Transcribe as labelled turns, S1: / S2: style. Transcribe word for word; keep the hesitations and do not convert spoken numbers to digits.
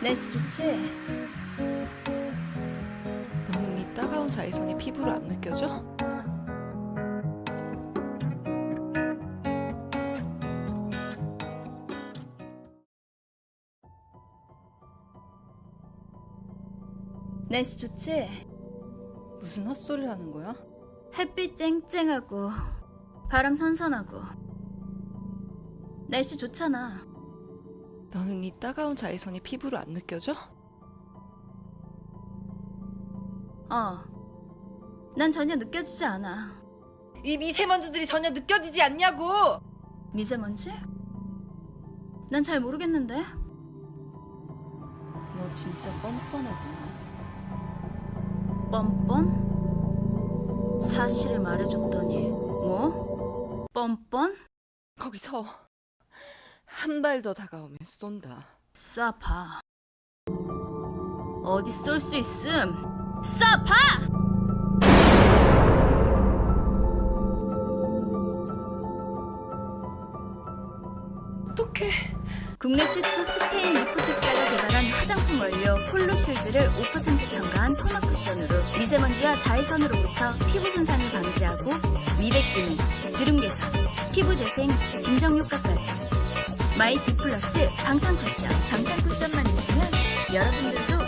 S1: 날씨 좋지?
S2: 너는 이 따가운 자외선이 피부로 안 느껴져?
S1: 날씨 좋지?
S2: 무슨 헛소리를 하는 거야?
S1: 햇빛 쨍쨍하고 바람 선선하고 날씨 좋잖아.
S2: 너는 이 따가운 자외선이 피부로 안 느껴져?
S1: 어. 난 전혀 느껴지지 않아.
S2: 이 미세먼지들이 전혀 느껴지지 않냐고!
S1: 미세먼지? 난 잘 모르겠는데.
S2: 너 진짜 뻔뻔하구나.
S1: 뻔뻔? 사실을 말해줬더니 뭐? 뻔뻔?
S2: 거기서 한 발 더 다가오면 쏜다.
S1: 쏴봐. 어디 쏠 수 있음? 쏴봐!
S2: 어떡해.
S1: 국내 최초 스페인 리포텍사가 개발한 화장품 원료 폴로쉴드를 오 퍼센트 첨가한 토너 쿠션으로 미세먼지와 자외선으로부터 피부 손상을 방지하고 미백 기능, 주름 개선, 피부 재생, 진정 효과까지. 마이 디 플러스 방탄 쿠션. 방탄 쿠션만 있으면 여러분들도